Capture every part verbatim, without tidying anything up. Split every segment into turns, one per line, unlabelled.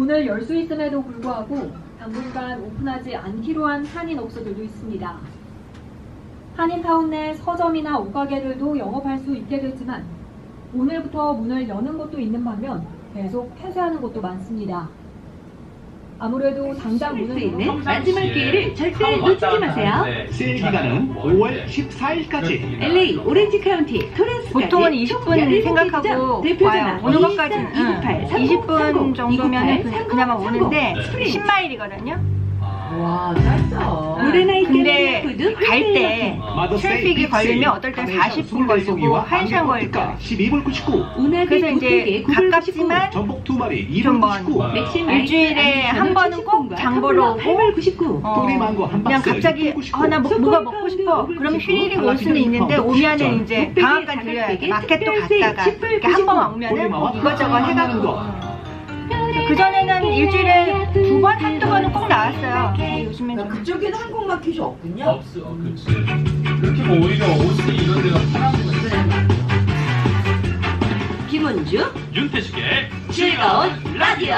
문을 열 수 있음에도 불구하고 당분간 오픈하지 않기로 한 한인업소들도 있습니다. 한인타운 내 서점이나 옷가게들도 영업할 수 있게 됐지만 오늘부터 문을 여는 곳도 있는 반면 계속 폐쇄하는 곳도 많습니다. 아무래도 당장 문을
있는
열어
마지막 기회를 절대 놓치지 마세요.
세일 기간은 오월 십사일까지.
엘에이 오렌지 카운티 토렌스까지
보통은 이십 분 생각하고 와요. 오는 것까지는 응. 이십 분 정도면 그나마 오는데 십 마일이거든요.
와, 짧다.
근데 갈 때 트래픽이 걸리면 어떨 땐 사십 분 걸리고 한 시간 걸릴 거예요.
십이 불 구십구.
그래서 이제 가깝지만
전복 두 마리 이
좀
불
먼
구십구.
일주일에 한 번은 꼭 장 보러 오고 어,
또리망고 한
그냥
박스
갑자기
육 불 구십구.
아, 나 뭐, 뭐가 먹고 싶어. 그러면 휘리릭 올 수는 있는데 오면은 이제 방앗간 들려야 돼. 마켓도 갔다가 이렇게 한 번 오면은 뭐 이것저것 해가지고 그전에는 일주일에 두 번, 한두 번은 꼭 나왔어요. 근데 요즘엔 좀
그쪽에는 한국 마켓이 없군요.
없어, 어, 그치. 그렇게 뭐 오히려 오스티 이런 데가 편한 거지.
김은주
윤태식의
즐거운 라디오.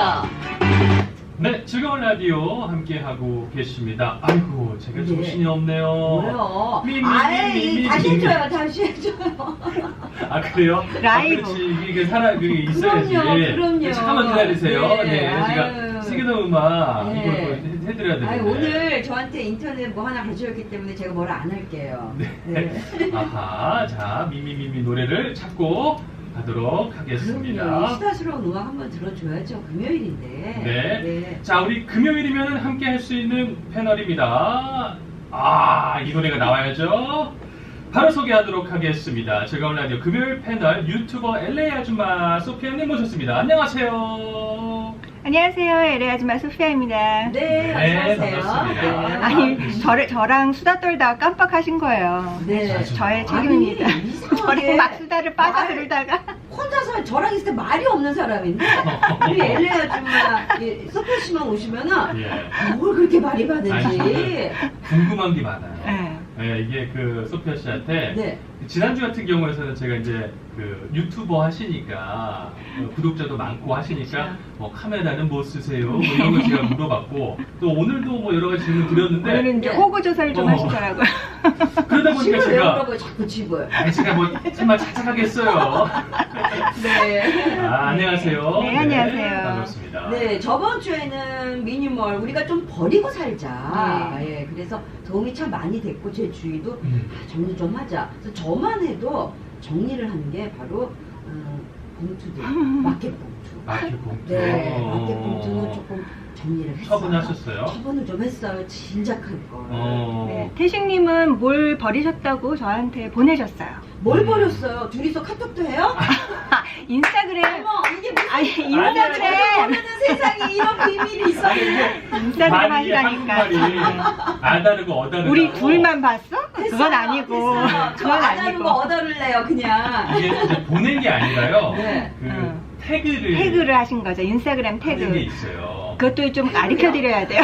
네, 즐거운 라디오 함께 하고 계십니다. 아이고, 제가
네.
정신이 없네요.
뭐요?
미, 미, 미, 미,
아이,
미,
다시
미.
해줘요, 다시 해줘요.
아, 그래요?
라이브.
아, 그렇지. 이게 사람, 그게 있어야지.
그럼요, 그럼요.
잠깐만 기다리세요.
네,
네, 제가
아유.
세계도 음악
네.
이걸 또 해- 해드려야 되는데.
아니, 오늘 저한테 인터넷 뭐 하나 가져왔기 때문에 제가 뭐라 안 할게요.
네. 아하, 자, 미미미미 노래를 찾고 가도록 하겠습니다.
그럼요. 수다스러운 음악 한번 들어줘야죠. 금요일인데.
네.
네.
자, 우리 금요일이면 함께 할 수 있는 패널입니다. 아, 이 노래가 나와야죠. 바로 소개하도록 하겠습니다. 즐거운 라디오 금요일 패널 유튜버 엘에이 아줌마 소피아님 모셨습니다. 안녕하세요.
안녕하세요. 엘에이 아줌마 소피아입니다.
네,
네,
안녕하세요.
반갑습니다.
네.
아니, 저를, 저랑 수다 떨다가 깜빡하신 거예요.
네.
저의 책임입니다.
아니, 이상하게
저랑 막 수다를
말-
빠져들다가
혼자서 저랑 있을 때 말이 없는 사람인데 우리 엘에이 아줌마 이 소피아 씨만 오시면은
예.
뭘 그렇게 말이
아니,
많은지.
궁금한 게 많아요.
네.
네, 이게 그 소피아 씨한테
네.
지난주 같은 경우에는 제가 이제 그 유튜버 하시니까 어, 구독자도 많고 하시니까 뭐 카메라는 뭐 쓰세요? 뭐 이런 거 제가 물어봤고 또 오늘도 뭐 여러 가지 질문 드렸는데
오늘은 이제
네.
호구 조사를 좀
어.
하시더라고요.
그러다 보니까
집을
제가
외우라고요, 자꾸 집을.
아니 제가 뭐 정말 찾아가겠어요.
네.
아, 안녕하세요.
네, 안녕하세요.
반갑습니다.
네, 저번 주에는 미니멀 우리가 좀 버리고 살자.
네.
예, 그래서 도움이 참 많이 됐고 제 주위도
음.
아, 정리 좀 하자. 그래서 저만 해도 정리를 하는 게 바로 음, 봉투들, 마켓 봉투.
마켓 봉투.
네,
어.
마켓 봉투는 조금 정리를 했어요.
처분하셨어요?
처분을 좀 했어요. 진작할 걸.
어.
네, 태식님은 뭘 버리셨다고 저한테 보내셨어요.
뭘
음.
버렸어요? 둘이서 카톡도 해요?
인스타그램.
어머, 이게 무슨
아니,
저도
인스타그램.
모르는 세상에 이런 비밀이 있었네.
인스타그램
말이
하시다니까.
한국말이 아다르고 어다르고
우리 둘만 봤어? 그건
됐어요,
아니고.
됐어요. 저
그건
안 하는
아니고.
거 얻어를 내요, 그냥.
이게 이제 보낸 게 아니라요.
네.
그
응.
태그를
태그를 하신 거죠. 인스타그램
하는 게
태그.
있어요.
그것도 좀 가르쳐 드려야 돼요.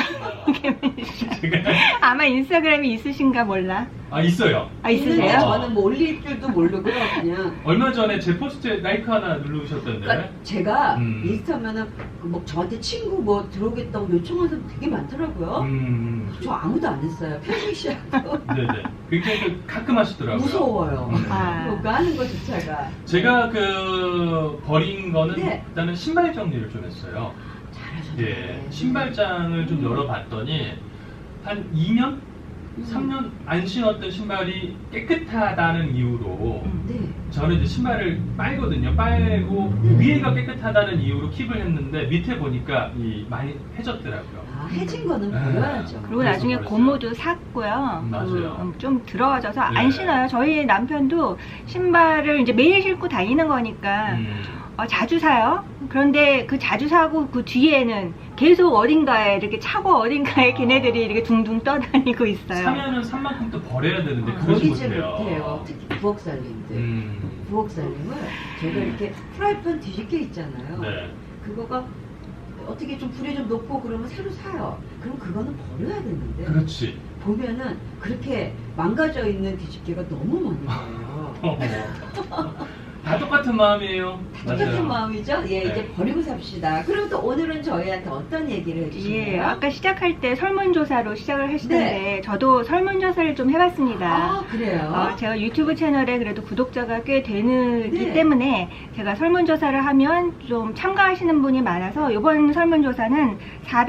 제가
아마 인스타그램이 있으신가 몰라.
아 있어요.
아,
있는데
있으세요?
저는 뭐 올릴 줄도 모르고요, 그냥.
얼마 전에 제 포스트에 라이크 하나 누르셨던데.
그러니까 제가
음.
인스타면은 그뭐 저한테 친구 뭐 들어오겠다고 요청하는 사람 되게 많더라고요.
음,
저 아무도 안 했어요. 편식 씨하고.
네네. 굉장히 그 가끔 하시더라고요.
무서워요.
음.
아.
그거 하는 거조차가.
제가 그 버린 거는
네.
일단은 신발 정리를 좀 했어요.
잘하셨네.
예, 신발장을 좀
음.
열어봤더니 한 이 년, 삼 년 안 신었던 신발이 깨끗하다는 이유로
음.
네.
저는 이제 신발을 빨거든요. 빨고
음.
위에가 깨끗하다는 이유로 킵을 했는데 밑에 보니까 이 많이 해졌더라고요.
아, 해진 거는
아.
버려야죠.
그리고
그래서
나중에
버렸어요.
고무도 샀고요.
음, 맞아요.
음, 좀 들어가져서
네.
안 신어요. 저희 남편도 신발을 이제 매일 신고 다니는 거니까
음.
어, 자주 사요. 그런데 그 자주 사고 그 뒤에는 계속 어딘가에 이렇게 차고 어딘가에
아.
걔네들이 이렇게 둥둥 떠다니고 있어요.
사면은 산 만큼 또 버려야 되는데
어,
그러지
버리지
못해요.
못해요. 특히 부엌 살림들.
음.
부엌 살림을 제가 이렇게 프라이팬 뒤집게 있잖아요.
네.
그거가 어떻게 좀 불이 좀 높고 그러면 새로 사요. 그럼 그거는 버려야 되는데
그렇지.
보면은 그렇게 망가져 있는 뒤집개가 너무 많은 거예요.
다 똑같은 마음이에요.
똑같은
맞아요.
마음이죠? 예,
네.
이제 버리고 삽시다. 그리고 또 오늘은 저희한테 어떤 얘기를 해주시나요?
예, 아까 시작할 때 설문조사로 시작을 하시던데
네.
저도 설문조사를 좀 해봤습니다.
아, 그래요?
어, 제가 유튜브 채널에 그래도 구독자가 꽤 되기
네.
때문에 제가 설문조사를 하면 좀 참가하시는 분이 많아서 이번 설문조사는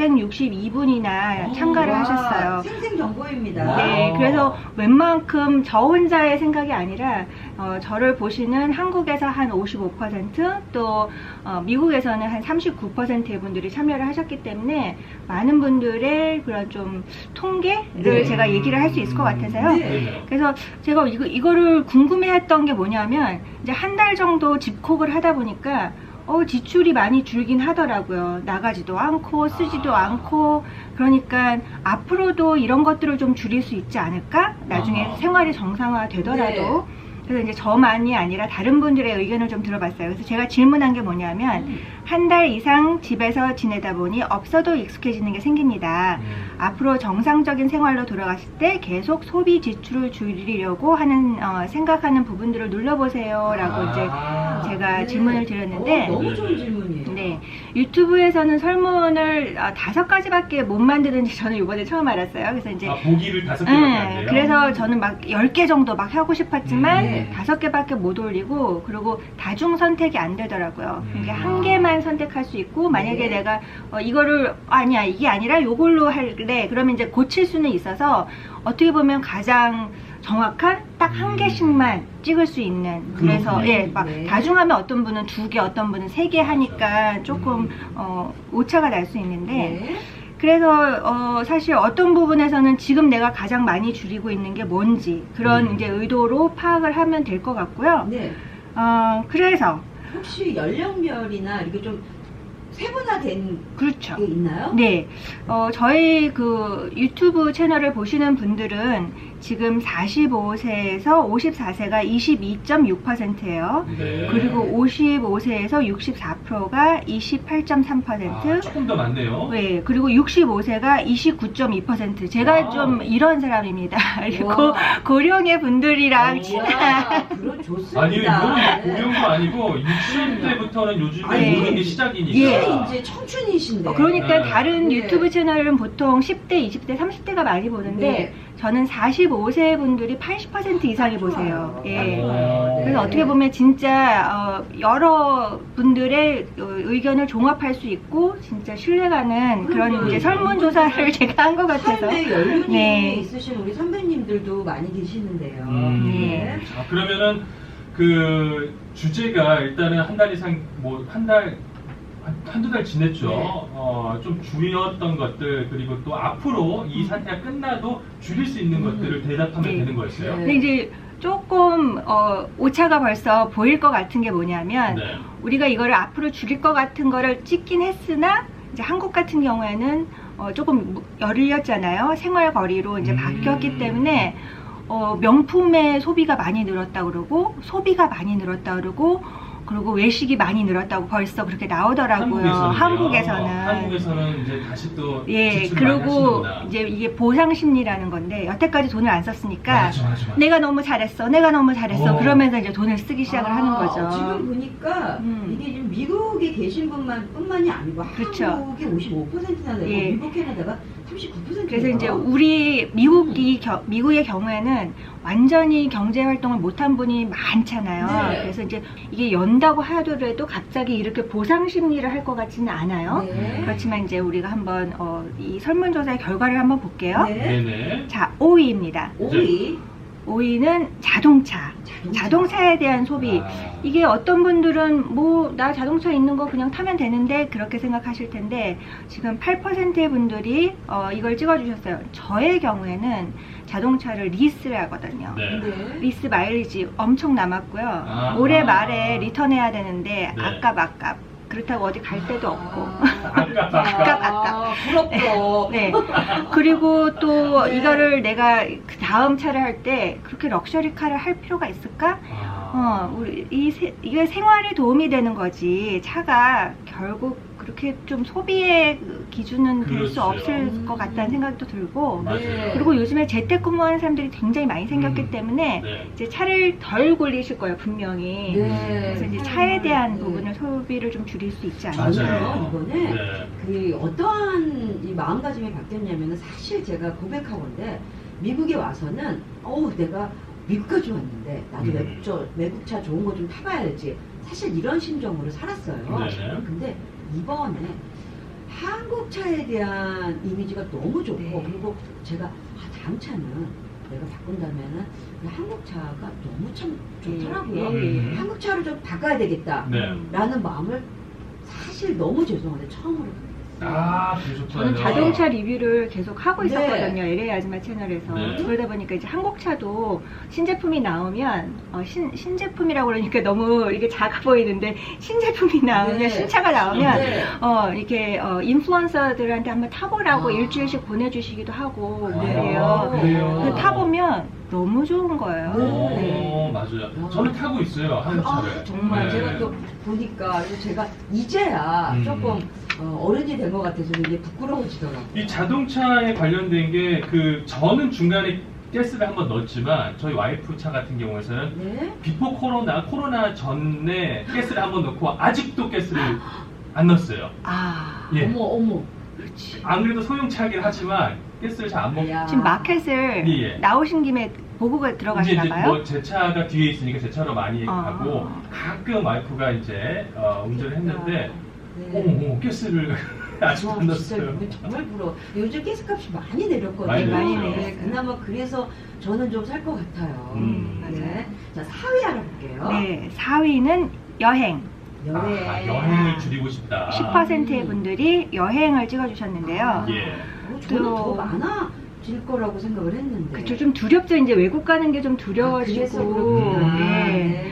사백육십이 분이나
오,
참가를
와,
하셨어요.
생생정보입니다.
와.
네, 그래서 웬만큼 저 혼자의 생각이 아니라 어, 저를 보시는 한국에서 한 오십오 퍼센트 또 어, 미국에서는 한 삼십구 퍼센트의 분들이 참여를 하셨기 때문에 많은 분들의 그런 좀 통계를
네.
제가 얘기를 할 수 있을 것 같아서요.
네.
네네.
그래서 제가 이거, 이거를 궁금해했던 게 뭐냐면 이제 한 달 정도 집콕을 하다 보니까 어, 지출이 많이 줄긴 하더라고요. 나가지도 않고 쓰지도
아.
않고 그러니까 앞으로도 이런 것들을 좀 줄일 수 있지 않을까? 나중에
아.
생활이 정상화 되더라도
네.
그래서 이제 저만이 아니라 다른 분들의 의견을 좀 들어봤어요. 그래서 제가 질문한 게 뭐냐면
음.
한 달 이상 집에서 지내다 보니 없어도 익숙해지는 게 생깁니다.
음.
앞으로 정상적인 생활로 돌아갔을 때 계속 소비 지출을 줄이려고 하는 어, 생각하는 부분들을 눌러보세요 라고
아.
이제 제가 질문을 드렸는데
어, 너무 좋은
네.
질문이에요.
네, 유튜브에서는 설문을 어, 다섯 가지밖에 못 만드는지 저는 이번에 처음 알았어요. 그래서 이제
아, 보기를 다섯 개밖에 안
네,
돼요?
그래서 저는 막 열 개 정도 막 하고 싶었지만
음.
네.
다섯 개밖에 못 올리고 그리고 다중 선택이 안 되더라고요.
음.
이게 한 개만 선택할 수 있고 만약에
네.
내가 어, 이거를 아니야 이게 아니라 요걸로 할래 그러면 이제 고칠 수는 있어서 어떻게 보면 가장 정확한 딱 한
음.
개씩만 찍을 수 있는 그래서
그렇군요.
예, 막
네.
다중하면 어떤 분은 두 개, 어떤 분은 세 개 하니까 조금
음.
어, 오차가 날 수 있는데
네.
그래서 어, 사실 어떤 부분에서는 지금 내가 가장 많이 줄이고 있는 게 뭔지 그런
음.
이제 의도로 파악을 하면 될 것 같고요.
네.
어, 그래서
혹시 연령별이나 이렇게 좀 세분화된
그렇죠.
게 있나요?
네, 어, 저희 그 유튜브 채널을 보시는 분들은 지금 사십오 세에서 오십사 세가 이십이 점 육 퍼센트예요.
네.
그리고 오십오 세에서 육십사 퍼센트가 이십팔 점 삼 퍼센트.
아, 조금 더 많네요.
네, 그리고 육십오 세가 이십구 점 이 퍼센트. 제가
와우.
좀 이런 사람입니다. 그리고
우와.
고령의 분들이랑 친한.
이야, 그럼 좋습니다.
아니, 이거는
네.
고령도 아니고 육십 대부터는 요즘에
아니,
모든 게 시작이니까.
예.
이게 이제 청춘이신데.
어, 그러니까
네.
다른
네.
유튜브 채널은 보통 십 대, 이십 대, 삼십 대가 많이 보는데
네.
저는 사십오 세 분들이 팔십 퍼센트 이상이 보세요. 예.
오.
그래서 어떻게 보면 진짜 어, 여러 분들의 어, 의견을 종합할 수 있고 진짜 신뢰가는 그런
그럼요.
이제 설문조사를 제가 한 것 같아서
삶의 연륜이
네.
있으신 우리 선배님들도 많이 계시는데요.
음.
네.
자, 그러면은 그 주제가 일단은 한 달 이상 뭐 한 달 한두 달 지냈죠.
네.
어, 좀 줄였던 것들 그리고 또 앞으로 이 상태가 끝나도 줄일 수 있는
음.
것들을 대답하면
네.
되는 거였어요.
네.
근데 이제 조금 어, 오차가 벌써 보일 것 같은 게 뭐냐면
네.
우리가 이거를 앞으로 줄일 것 같은 거를 찍긴 했으나 이제 한국 같은 경우에는 어, 조금 열렸잖아요. 생활 거리로 이제
음.
바뀌었기 때문에 어, 명품의 소비가 많이 늘었다 그러고 소비가 많이 늘었다 그러고 그리고 외식이 많이 늘었다고 벌써 그렇게 나오더라고요.
한국에서는요?
한국에서는.
한국에서는 이제 다시 또
예,
지출을 많이
그리고
하시는구나.
이제 이게 보상 심리라는 건데 여태까지 돈을 안 썼으니까
맞아, 맞아, 맞아.
내가 너무 잘했어, 내가 너무 잘했어.
어.
그러면서 이제 돈을 쓰기 시작을
아,
하는 거죠.
지금 보니까
음.
이게 지금 미국에 계신 분만 뿐만이 아니고
그렇죠.
한국이 오십오 퍼센트나 되고
예.
미국 캐나다가 삼십구 퍼센트.
그래서 이제 우리 미국이 겨- 미국의 경우에는 완전히 경제 활동을 못한 분이 많잖아요.
네.
그래서 이제 이게 연다고 하더라도 갑자기 이렇게 보상 심리를 할 것 같지는 않아요.
네.
그렇지만 이제 우리가 한번 어, 이 설문조사의 결과를 한번 볼게요.
네.
네네.
자, 오 위입니다.
오 위
오 위는 자동차.
자동차.
자동차에 대한 소비.
아.
이게 어떤 분들은 뭐 나 자동차 있는 거 그냥 타면 되는데 그렇게 생각하실 텐데 지금 팔 퍼센트의 분들이 어, 이걸 찍어주셨어요. 저의 경우에는 자동차를 리스를 하거든요.
네.
네.
리스 마일리지 엄청 남았고요.
아.
올해 말에 리턴해야 되는데
네.
아깝 아깝. 그렇다고 어디 갈 데도 없고.
아깝, 아깝.
아, 부럽다.
네. 그리고 또
네.
이거를 내가 그 다음 차를 할 때 그렇게 럭셔리 카를 할 필요가 있을까?
아.
어, 우리 이 세, 이게 생활에 도움이 되는 거지. 차가 결국 그렇게 좀 소비의 그 기준은 될 수
그렇죠.
없을 것 같다는 생각도 들고
맞아요.
네.
그리고 요즘에 재택근무하는 사람들이 굉장히 많이 생겼기
음.
때문에
네.
이제 차를 덜 굴리실 거예요 분명히.
네.
그래서 이제 차에 대한
네.
부분을 소비를 좀 줄일 수 있지 않을까.
맞아요.
이번에
네.
그 어떠한 이 마음가짐이 바뀌었냐면은 사실 제가 고백하건데 미국에 와서는 어우 내가 미국까지 왔는데 나도
음.
외국, 저, 외국차 좋은 거 좀 타봐야지 사실 이런 심정으로 살았어요.
네네.
근데 이번에 한국차에 대한 이미지가 너무 좋고
네.
그리고 제가 아, 다음 차는 내가 바꾼다면은 이 한국차가 너무 참 좋더라고요.
음.
한국차를 좀 바꿔야 되겠다.
네.
라는 마음을 사실 너무 죄송한데 처음으로
아, 그러셨구나.
저는 자동차 리뷰를 계속 하고
네.
있었거든요. 엘에이 아줌마 채널에서.
네.
그러다 보니까 이제 한국차도 신제품이 나오면 어, 신, 신제품이라고 그러니까 너무 이게 작아 보이는데 신제품이 나오면
네.
신차가 나오면
네.
어, 이렇게 어, 인플루언서들한테 한번 타보라고
아.
일주일씩 보내주시기도 하고
아,
그래요.
그래요?
근데 타보면 너무 좋은 거예요.
네.
오, 맞아요. 저는 타고 있어요, 한국차를.
아, 정말
네.
제가 또 보니까 그래서 제가 이제야
음.
조금 어, 어른이 된 것 같아서 이게 부끄러워지더라고요.
이 자동차에 관련된 게 그 저는 중간에 가스를 한번 넣었지만 저희 와이프 차 같은 경우에는
네?
비포 코로나 코로나 전에 가스를 한번 넣고 아직도 가스를 안 넣었어요.
아,
예.
어머 어머.
그렇지.
안 그래도 소형차긴 하지만 가스를 잘 안 먹고
야.
지금 마켓을
예, 예.
나오신 김에 보고
이제
들어가시나
이제
봐요?
뭐 제 차가 뒤에 있으니까 제 차로 많이
아.
가고 가끔 와이프가 이제 어, 운전을 했는데
네.
어머 어머 가스를 아직
와,
안
진짜
넣었어요.
이거 정말 부러워. 요즘 가스값이 많이 내렸거든요.
많이
내렸죠.
네, 그나마 그래서 저는 좀 살 것 같아요.
음.
네. 자, 사 위 알아볼게요.
네, 사 위는 여행.
여행.
아, 여행을 줄이고 싶다.
십 퍼센트의 분들이 여행을 찍어주셨는데요.
예.
어, 저는
또-
더 많아질 거라고 생각을 했는데.
그쵸, 좀 두렵죠. 이제 외국 가는 게 좀
아, 그래서
두려워지고.
그렇구나.
네.
네.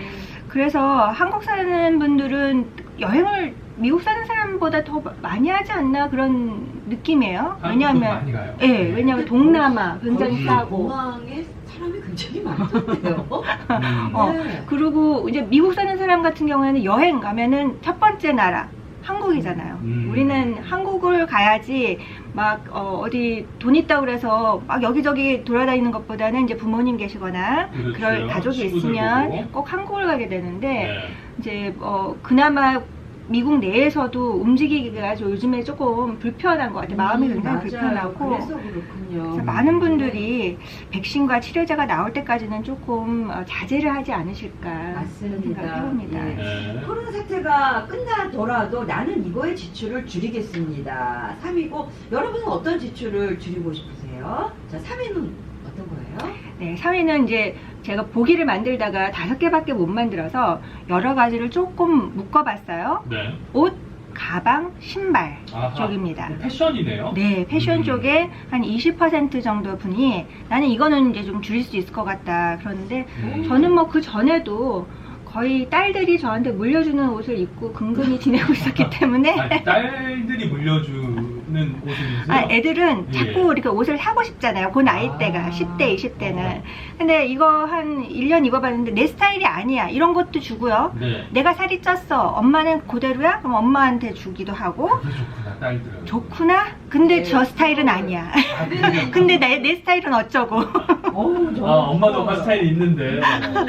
그래서 한국 사는 분들은 여행을 미국 사는 사람보다 더 많이 하지 않나 그런 느낌이에요.
한국도
왜냐하면,
많이 가요.
예, 왜냐하면 동남아 굉장히
거기
싸고.
공항에 사람이 굉장히 많던데요.
음.
어,
네.
그리고 이제 미국 사는 사람 같은 경우에는 여행 가면은 첫 번째 나라 한국이잖아요.
음.
우리는 한국을 가야지 막 어, 어디 돈 있다고 그래서 막 여기저기 돌아다니는 것보다는 이제 부모님 계시거나
그렇죠.
그럴 가족이
친구들
있으면
보고.
꼭 한국을 가게 되는데
네.
이제 어, 그나마 미국 내에서도 움직이기가 좀 요즘에 조금 불편한 것 같아요. 마음이
음,
굉장히
맞아요.
불편하고
그래서 그렇군요.
그래서 많은 분들이 백신과 치료제가 나올 때까지는 조금 어, 자제를 하지 않으실까 그런
맞습니다.
생각을 해봅니다.
예.
네.
코로나 사태가 끝나더라도 나는 이거의 지출을 줄이겠습니다. 삼 위고 여러분은 어떤 지출을 줄이고 싶으세요? 자, 삼 위는 어떤 거예요?
네, 사 위는 이제 제가 보기를 만들다가 다섯 개밖에 못 만들어서 여러 가지를 조금 묶어봤어요.
네.
옷, 가방, 신발
아하.
쪽입니다.
패션이네요.
네, 패션
음.
쪽에 한 이십 퍼센트 정도 분이 나는 이거는 이제 좀 줄일 수 있을 것 같다. 그런데
음.
저는 뭐 그 전에도 거의 딸들이 저한테 물려주는 옷을 입고 근근히 지내고 있었기 때문에
아니, 딸들이 물려주는 옷을 입으세요?
아, 애들은
예.
자꾸 이렇게 옷을 사고 싶잖아요. 그 나이대가
아.
십 대, 이십 대는.
어.
근데 이거 한 일 년 입어봤는데 내 스타일이 아니야. 이런 것도 주고요.
네.
내가 살이 쪘어. 엄마는 그대로야? 그럼 엄마한테 주기도 하고.
그게 좋구나, 딸들은.
좋구나? 근데
네.
저 스타일은 아니야.
아, 그래요?
근데 내, 내 스타일은 어쩌고.
어우,
아, 엄마도 엄마 스타일이 있는데.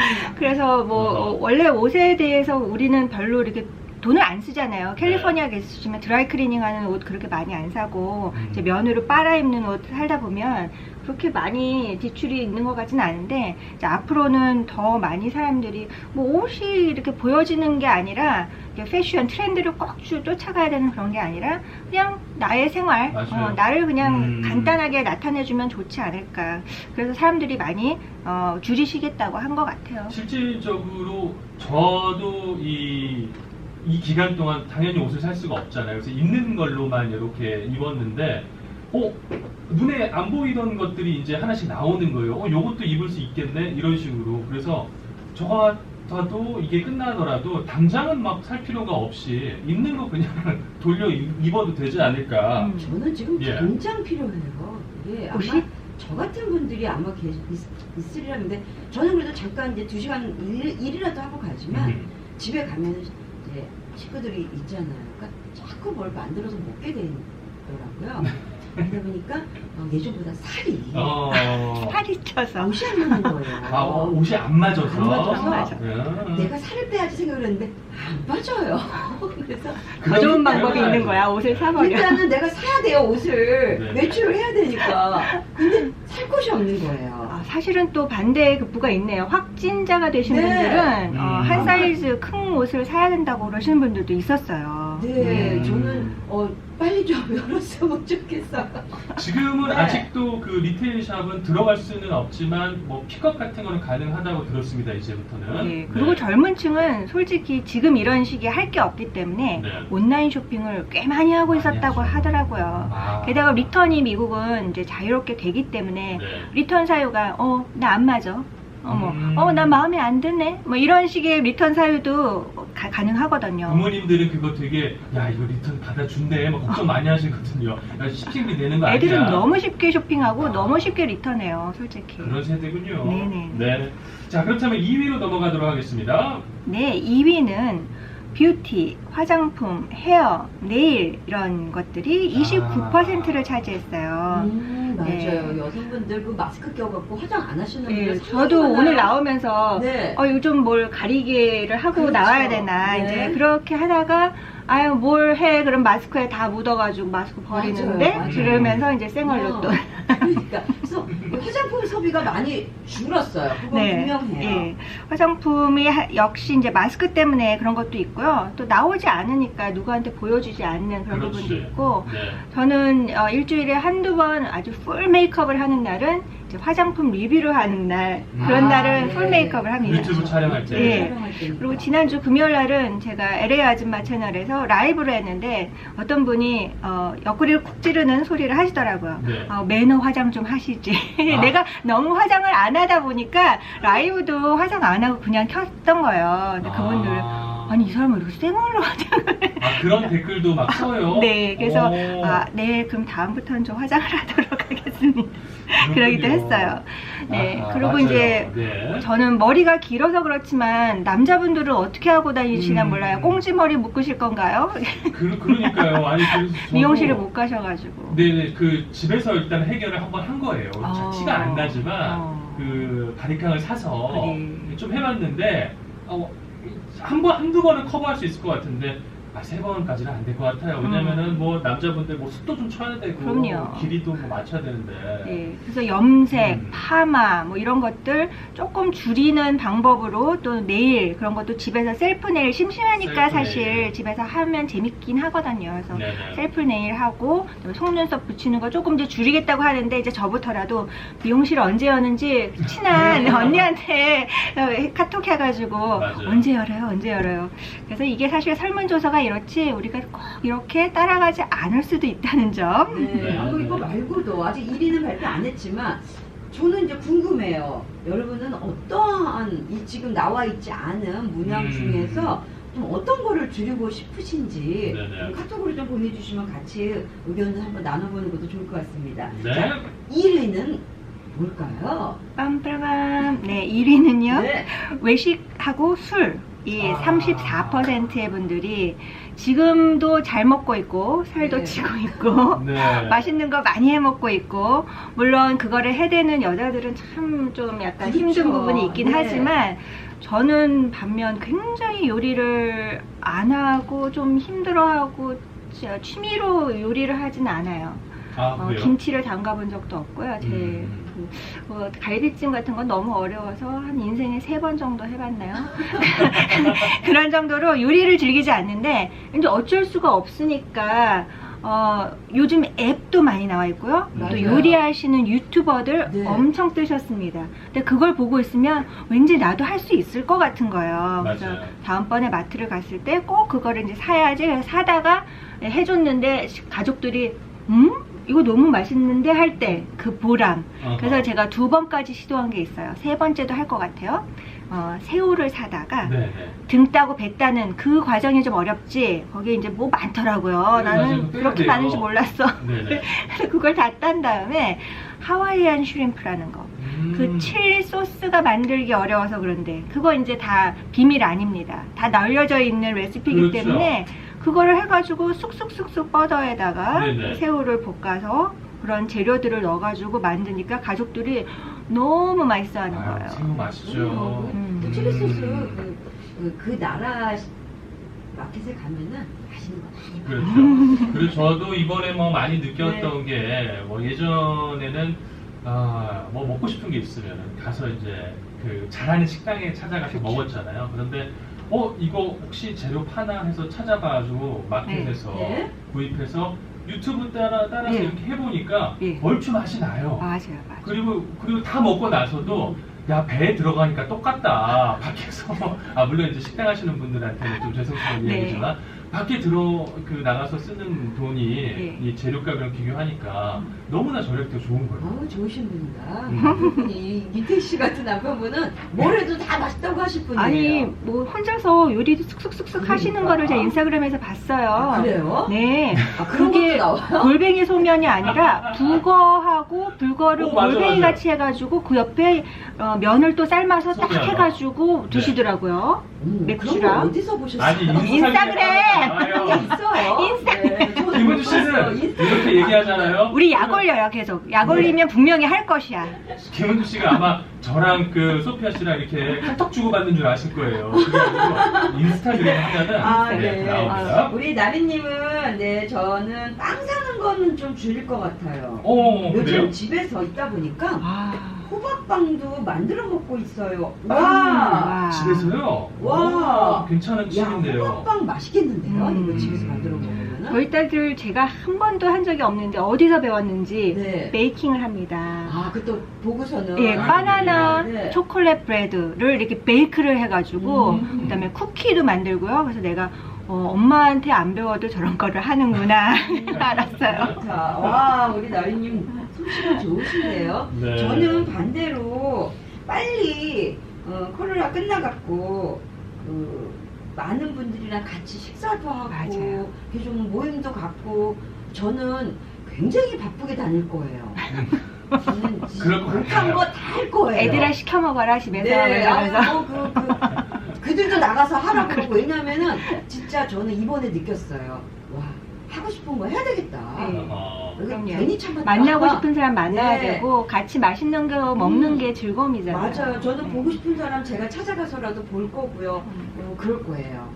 그래서 뭐
어허.
어, 원래 옷에 대해서 우리는 별로 이렇게 돈을 안 쓰잖아요. 캘리포니아 계시면 드라이 클리닝 하는 옷 그렇게 많이 안 사고
음.
이제 면으로 빨아 입는 옷 살다 보면 그렇게 많이 지출이 있는 것 같지는 않은데 이제 앞으로는 더 많이 사람들이 뭐 옷이 이렇게 보여지는 게 아니라 이게 패션 트렌드를 꼭 주- 쫓아가야 되는 그런 게 아니라 그냥 나의 생활
맞아요.
어, 나를 그냥
음.
간단하게 나타내주면 좋지 않을까. 그래서 사람들이 많이 어, 줄이시겠다고 한 것 같아요.
실질적으로 저도 이, 이 기간 동안 당연히 옷을 살 수가 없잖아요. 그래서 있는 걸로만 이렇게 입었는데, 어, 눈에 안 보이던 것들이 이제 하나씩 나오는 거예요. 어, 요것도 입을 수 있겠네? 이런 식으로. 그래서 저 같아도 이게 끝나더라도 당장은 막 살 필요가 없이 있는 거 그냥 돌려 입- 입어도 되지 않을까.
음.
저는 지금
예.
당장 필요해요. 이게 아마
옷이?
저 같은 분들이 아마 계, 있, 있으리라는데 저는 그래도 잠깐 이제 두 시간 일, 일이라도 하고 가지만
음.
집에 가면 이제 식구들이 있잖아요. 그러니까 자꾸 뭘 만들어서 먹게 되더라고요. 그러다 보니까 어, 예전보다 살이
어.
살이 쪄서.
옷이 안 맞는 거예요.
아, 옷이 안 맞아서.
안 맞아서
안 맞아.
음.
내가 살을 빼야지 생각을 했는데 안 빠져요. 그래서
더 좋은
그러니까
방법이 있는 거야. 옷을 사버려.
일단은 내가 사야 돼요, 옷을.
네.
외출을 해야 되니까. 근데 살 곳이 없는 거예요.
아, 사실은 또 반대의 극부가 있네요. 확진자가 되신
네.
분들은 어,
음.
한 사이즈 큰 옷을 사야 된다고 그러시는 분들도 있었어요.
네,
음.
저는 어, 빨리 좀 열었으면 좋겠어요.
지금은
네.
아직도 그 리테일 샵은 들어갈 수는 없지만 뭐 픽업 같은 거는 가능하다고 들었습니다. 이제부터는.
네, 그리고
네.
젊은 층은 솔직히 지금 이런 시기에 할 게 없기 때문에
네.
온라인 쇼핑을 꽤 많이 하고
많이
있었다고
하죠.
하더라고요.
아.
게다가 리턴이 미국은 이제 자유롭게 되기 때문에
네.
리턴 사유가 어, 나 안 맞아. 어머,
음.
어, 나 마음에 안 드네. 뭐 이런 식의 리턴 사유도 가, 가능하거든요.
부모님들은 그거 되게 야 이거 리턴 받아준대 막 걱정 많이 하시거든요. 야 식팅비 내는 거 아니야?
애들은 너무 쉽게 쇼핑하고
아.
너무 쉽게 리턴해요, 솔직히.
그런 세대군요.
네네.
네. 자 그렇다면 이 위로 넘어가도록 하겠습니다.
네, 이 위는 뷰티, 화장품, 헤어, 네일 이런 것들이 이십구 퍼센트를 차지했어요.
음, 맞아요.
네.
여성분들 그 마스크 껴갖고 화장 안 하시는
네,
분들
저도
상당히
오늘
많아요.
나오면서
네.
어, 요즘 뭘 가리개를 하고
그렇죠.
나와야 되나
네.
이제 그렇게 하다가 아유 뭘 해 그럼 마스크에 다 묻어가지고 마스크 버리는데
맞아요, 맞아요.
그러면서 이제 생얼로
어,
또
그러니까 그래서 화장품 소비가 많이 줄었어요. 그건 분명해요.
예. 화장품이 하- 역시 이제 마스크 때문에 그런 것도 있고요. 또 나오지 않으니까 누구한테 보여주지 않는 그런
그렇지.
부분도 있고
네.
저는 어, 일주일에 한두 번 아주 풀 메이크업을 하는 날은 이제 화장품 리뷰를 하는 날 그런
아,
날은
네.
풀 메이크업을 합니다.
유튜브 촬영할 때.
예.
촬영할 때니까.
그리고 지난주 금요일 날은 제가 엘에이 아줌마 채널에서 라이브를 했는데 어떤 분이 어, 옆구리를 쿡 찌르는 소리를 하시더라고요.
네.
어, 매너 화장 좀 하시지.
아.
내가 너무 화장을 안 하다 보니까 라이브도 화장 안 하고 그냥 켰던 거예요. 근데 그분들
아,
아니 이 사람은 이렇게 생얼로 화장을
아, 그런 댓글도 막 써요.
네, 그래서
오.
아, 네, 그럼 다음부터는 좀 화장을 하도록 하겠습니다. 그러기도
그렇군요.
했어요. 네,
아하,
그리고
맞아요.
이제
네.
저는 머리가 길어서 그렇지만 남자분들은 어떻게 하고 다니시나
음.
몰라요. 꽁지머리 묶으실 건가요?
그, 그러니까요. 아니 그래서 저도
미용실을 못 가셔가지고.
네, 그 집에서 일단 해결을 한번 한 거예요.
어.
티가 안 나지만
어.
그 바리캉을 사서
그래.
좀 해봤는데 어, 한 번, 한두 번은 커버할 수 있을 것 같은데 아, 세 번까지는 안 될 것 같아요. 왜냐면은
음.
뭐 남자분들 뭐 숱도 좀 쳐야 되고
그럼요.
길이도 뭐 맞춰야 되는데
네, 그래서 염색,
음.
파마 뭐 이런 것들 조금 줄이는 방법으로 또 네일 그런 것도 집에서 셀프 네일 심심하니까
셀프
사실
네일.
집에서 하면 재밌긴 하거든요. 그래서
네네.
셀프 네일 하고 그다음에 속눈썹 붙이는 거 조금 이제 줄이겠다고 하는데 이제 저부터라도 미용실 언제 여는지 친한 언니한테 카톡 해가지고
맞아요.
언제 열어요 언제 열어요. 그래서 이게 사실 설문조사가 이렇지 우리가 꼭 이렇게 따라가지 않을 수도 있다는 점.
네.
네.
아, 그 이거 말고도 아직 일 위는 발표 안 했지만 저는 이제 궁금해요. 여러분은 어떠한 이 지금 나와 있지 않은 문양
음.
중에서 좀 어떤 거를 줄이고 싶으신지
네네.
카톡으로 좀 보내주시면 같이 의견을 한번 나눠보는 것도 좋을 것 같습니다.
네.
자, 일 위는 뭘까요?
빰빠밤. 네, 일 위는요.
네.
외식하고 술. 이
아.
삼십사 퍼센트의 분들이 지금도 잘 먹고 있고 살도
네.
찌고 있고
네.
맛있는 거 많이 해 먹고 있고 물론 그거를 해대는 여자들은 참 좀 약간
그렇죠.
힘든 부분이 있긴
네.
하지만 저는 반면 굉장히 요리를 안 하고 좀 힘들어하고 진짜 취미로 요리를 하진 않아요.
아,
어,
그래요?
김치를 담가본 적도 없고요. 제
음.
그, 뭐, 갈비찜 같은 건 너무 어려워서 한 인생에 세 번 정도 해봤나요? 그런 정도로 요리를 즐기지 않는데 이제 어쩔 수가 없으니까 어, 요즘 앱도 많이 나와 있고요. 또
맞아요.
요리하시는 유튜버들
네.
엄청 뜨셨습니다. 근데 그걸 보고 있으면 왠지 나도 할 수 있을 것 같은 거예요. 그래서
맞아요.
다음번에 마트를 갔을 때 꼭 그거를 이제 사야지. 그래서 사다가 해줬는데 가족들이 음? 이거 너무 맛있는데 할 때 그 보람.
어허.
그래서 제가 두 번까지 시도한 게 있어요. 세 번째도 할 것 같아요. 어, 새우를 사다가
네네.
등 따고 배 따는 그 과정이 좀 어렵지. 거기에 이제 뭐 많더라고요.
네,
나는
맞아요.
그렇게
돼요.
많은지 몰랐어.
네네.
그래서 그걸 다 딴 다음에 하와이안 슈림프라는 거.
음.
그 칠리 소스가 만들기 어려워서 그런데 그거 이제 다 비밀 아닙니다. 다 널려져 있는 레시피이기
그렇죠.
때문에 그거를 해가지고 쑥쑥쑥쑥 버터에다가
네네.
새우를 볶아서 그런 재료들을 넣어가지고 만드니까 가족들이 너무 맛있어하는
아유,
거예요.
새우 맛있죠.
음.
그 칠리 소스 그, 그, 그 나라 마켓에 가면은 맛있는 거 많이
그렇죠. 그리고 저도 이번에 뭐 많이
네.
느꼈던 게, 뭐 예전에는, 아, 뭐 먹고 싶은 게 있으면 가서 이제 그 잘하는 식당에 찾아가서 먹었잖아요. 그런데, 어, 이거 혹시 재료 파나 해서 찾아봐가지고 마켓에서
네.
구입해서 유튜브 따라, 따라서
네.
이렇게 해보니까
네.
얼추 맛이 나요.
맞아요, 맞아요.
그리고, 그리고 다 먹고 나서도 야, 배에 들어가니까 똑같다. 밖에서, 아, 물론 이제 식당 하시는 분들한테는 좀 죄송스러운
네.
이야기지만, 밖에 들어, 그, 나가서 쓰는 돈이
네.
이 재료값이랑 비교하니까 너무나 저렴도 좋은 거예요.
아우 좋으신 분이다.
음.
이분이 유태 씨 같은 남편분은 뭘 해도 다 맛있다고 하실 분이에요.
아니 뭐 혼자서 요리도 쑥쑥쑥쑥 하시는
그러니까.
거를 제가 인스타그램에서 봤어요.
아, 그래요?
네.
아, 그런
그게
것도 나와요?
골뱅이 소면이 아니라 북어하고 불거를
오, 맞아,
골뱅이
맞아.
같이 해가지고 그 옆에 어, 면을 또 삶아서 딱
소면.
해가지고
네.
드시더라고요.
음,
맥주랑.
그런 거 어디서 보셨어요?
아니,
인스타그램!
인스타그램!
있어요. 네, 저도
김은주
봤어요.
씨는
인스타-
이렇게 얘기하잖아요.
우리 약 올려요 계속. 약 올리면 분명히 할 것이야.
김은주 씨가 아마 저랑 그 소피아 씨랑 이렇게 카톡 주고받는 줄 아실 거예요. 그게 아니고 인스타그램 하면은
아,
네,
네.
나옵니다.
아, 우리 나리님은 네 저는 빵 사는 거는 좀 줄일 것 같아요.
어,
요즘
그래요?
집에서 있다 보니까
아,
호박빵도 만들어 먹고 있어요. 와,
와.
집에서요?
와.
괜찮은
야
팁인데요.
호박빵 맛있겠는데요?
음.
이거 집에서 만들어 먹으면은.
저희 딸들 제가 한 번도 한 적이 없는데 어디서 배웠는지
네.
베이킹을 합니다.
아, 그 또 보고서는.
예,
아,
바나나
네.
초콜릿 브레드를 이렇게 베이크를 해가지고
음.
그다음에 쿠키도 만들고요. 그래서 내가 어, 엄마한테 안 배워도 저런 거를 하는구나 알았어요.
좋다. 와, 우리 나리님 솜씨가 좋으신데요.
네.
저는 반대로 빨리 어, 코로나 끝나갖고 그 많은 분들이랑 같이 식사도 하고
맞아요.
이렇게 좀 모임도 갖고 저는 굉장히 바쁘게 다닐 거예요. 저는
그럴 것
못한
같아요.
거 다 할 거예요.
애들아 시켜 먹어라 집에서
네,
이러면서.
아이고, 그, 그, 그들도 나가서 하라고 그러고 왜냐면은 진짜 저는 이번에 느꼈어요. 와, 하고 싶은 거 해야 되겠다.
네.
어,
이거
그럼요.
괜히 참았다.
만나고 싶은 사람 만나야
네.
되고 같이 맛있는 거 먹는
음.
게 즐거움이잖아요.
맞아요. 저는
네.
보고 싶은 사람 제가 찾아가서라도 볼 거고요. 어, 그럴 거예요.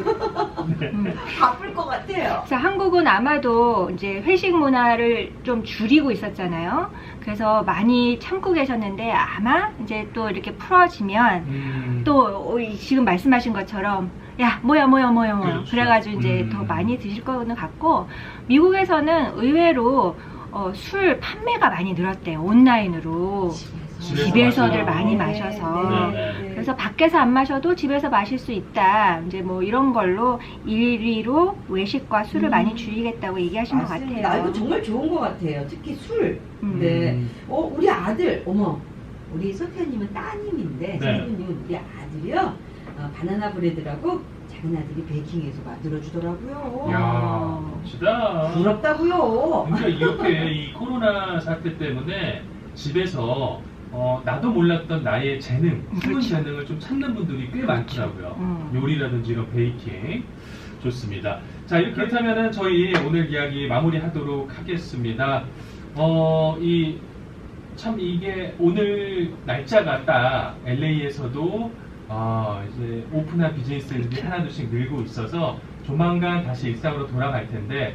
음.
바쁠 것 같아요.
그래서 한국은 아마도 이제 회식 문화를 좀 줄이고 있었잖아요. 그래서 많이 참고 계셨는데 아마 이제 또 이렇게 풀어지면
음,
또 지금 말씀하신 것처럼 야 뭐야 뭐야 뭐야 뭐야
그렇죠.
그래가지고 이제
음.
더 많이 드실 거는 같고 미국에서는 의외로 어, 술 판매가 많이 늘었대요. 온라인으로.
집에서
집에서들
마셔요.
많이 마셔서.
네, 네.
그래서 밖에서 안 마셔도 집에서 마실 수 있다. 이제 뭐 이런 걸로 일 위로 외식과 술을
음.
많이 줄이겠다고 얘기하신 것
맞습니다. 아,
같아요.
이거 정말 좋은 것 같아요. 특히 술.
음.
네. 어, 우리 아들, 어머, 우리 소피아님은 따님인데,
네.
소피아님은 우리 아들이요, 어, 바나나 브레드라고 작은 아들이 베이킹해서 만들어주더라고요.
이야, 멋지다.
부럽다고요.
그러니까 이렇게 이 코로나 사태 때문에 집에서 어, 나도 몰랐던 나의 재능, 숨은
그렇죠.
재능을 좀 찾는 분들이 꽤 많더라고요.
음.
요리라든지 이런 베이킹. 좋습니다. 자, 이렇게 그렇다면은 저희 오늘 이야기 마무리하도록 하겠습니다. 어, 이, 참 이게 오늘 날짜가 딱 엘에이에서도 아, 이제 오픈한 비즈니스들이 하나둘씩 늘고 있어서 조만간 다시 일상으로 돌아갈 텐데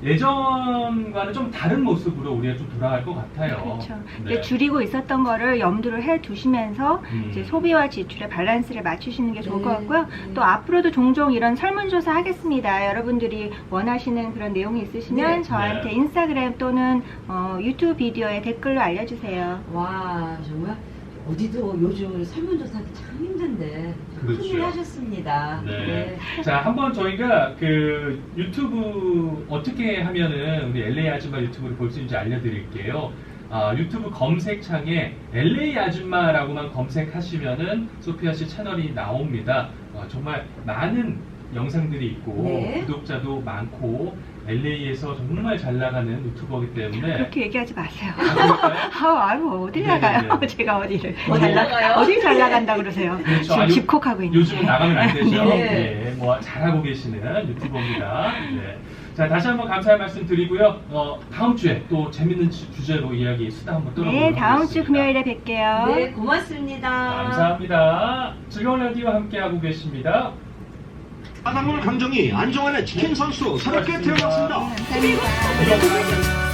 예전과는 좀 다른 모습으로 우리가 좀 돌아갈 것 같아요.
그렇죠.
네.
이제 줄이고 있었던 거를 염두를 해 두시면서
음.
이제 소비와 지출의 밸런스를 맞추시는 게 좋을 것
네,
같고요.
네.
또 앞으로도 종종 이런 설문조사 하겠습니다. 여러분들이 원하시는 그런 내용이 있으시면
네.
저한테
네.
인스타그램 또는 어, 유튜브 비디오에 댓글로 알려주세요.
와, 정말 어디도 요즘 설문조사하기 참 힘든데
그렇죠.
큰일 하셨습니다.
네. 자, 한번 저희가 그 유튜브 어떻게 하면은 우리 엘에이 아줌마 유튜브를 볼 수 있는지 알려드릴게요. 아, 유튜브 검색창에 엘에이 아줌마라고만 검색하시면은 소피아 씨 채널이 나옵니다. 어, 정말 많은 영상들이 있고
네.
구독자도 많고 엘에이에서 정말 잘 나가는 유튜버이기 때문에
그렇게 얘기하지 마세요.
아, 그럴까요?
아, 아유, 어딜
네네네.
나가요? 제가 어디를.
어디
잘 나-
나가요?
어딜 잘 나간다 그러세요.
그렇죠.
지금
아, 요-
집콕하고 있는데.
요즘은 나가면 안 되죠.
네.
네, 뭐 잘하고 계시는 유튜버입니다. 네. 자, 다시 한번 감사의 말씀 드리고요. 어, 다음 주에 또 재밌는 주- 주제로 이야기 수다 한번 떨어보도록
네, 다음 주
하겠습니다.
금요일에 뵐게요.
네, 고맙습니다.
감사합니다. 즐거운 라디오 함께하고 계십니다.
바닷물 감정이 안정환의 치킨 선수 새롭게
고맙습니다.
태어났습니다.
감사합니다.
이런